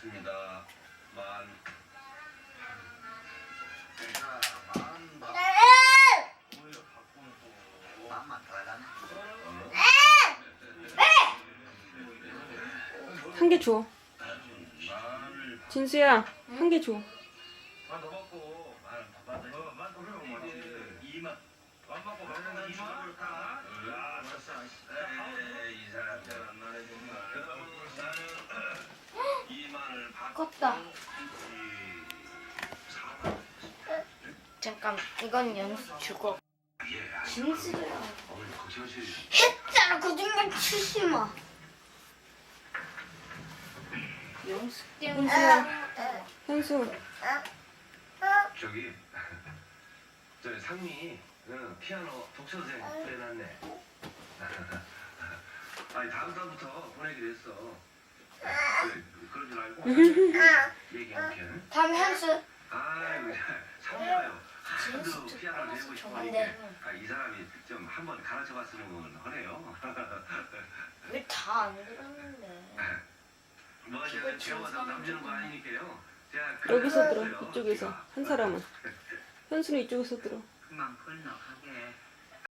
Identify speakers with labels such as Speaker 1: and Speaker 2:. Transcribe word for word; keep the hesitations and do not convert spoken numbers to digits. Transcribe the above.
Speaker 1: 받습니다. 만.
Speaker 2: 자, 만 받. 오히려 바꾸면 또 만만 더 하려네.
Speaker 3: 한 개 줘. 진수야, 한 개 줘.
Speaker 2: 만 더 받고. 만 더 받아. 어, 만더 그러면 뭐지? 이만. 만 받고 받는 이만. 다. 야, 됐어.
Speaker 1: 에이, 이 사람들 안 나네 정말. 나는 이만을
Speaker 4: 컸다. 잠깐, 이건 연수 주고. 진수야. 했잖아, 거짓말 치지 마. 연수 때문에.
Speaker 3: 현수,
Speaker 1: 저기 저 상미 그 피아노 독서생 빼놨네. 아니 다음 달부터 보내기로 했어. 그래, 그런 줄 알고 얘기해볼게.
Speaker 4: 다음 현수.
Speaker 1: 아이고 상미가요. 하도
Speaker 4: 진수
Speaker 1: 피아노를 배우고
Speaker 4: 좀
Speaker 1: 싶으니까
Speaker 4: 좋아한대.
Speaker 1: 아, 이 사람이 좀 한번 가르쳐봤으면 건 하네요.
Speaker 4: 왜 다 안 들었는데?
Speaker 1: 뭐가 제가 배워서 남주는 거 아니니까요. 제가 그걸
Speaker 3: 여기서 들어.
Speaker 1: 알았어요.
Speaker 3: 이쪽에서. 한 사람은. 현수는 이쪽에서 들어.
Speaker 2: 금방 건너가게.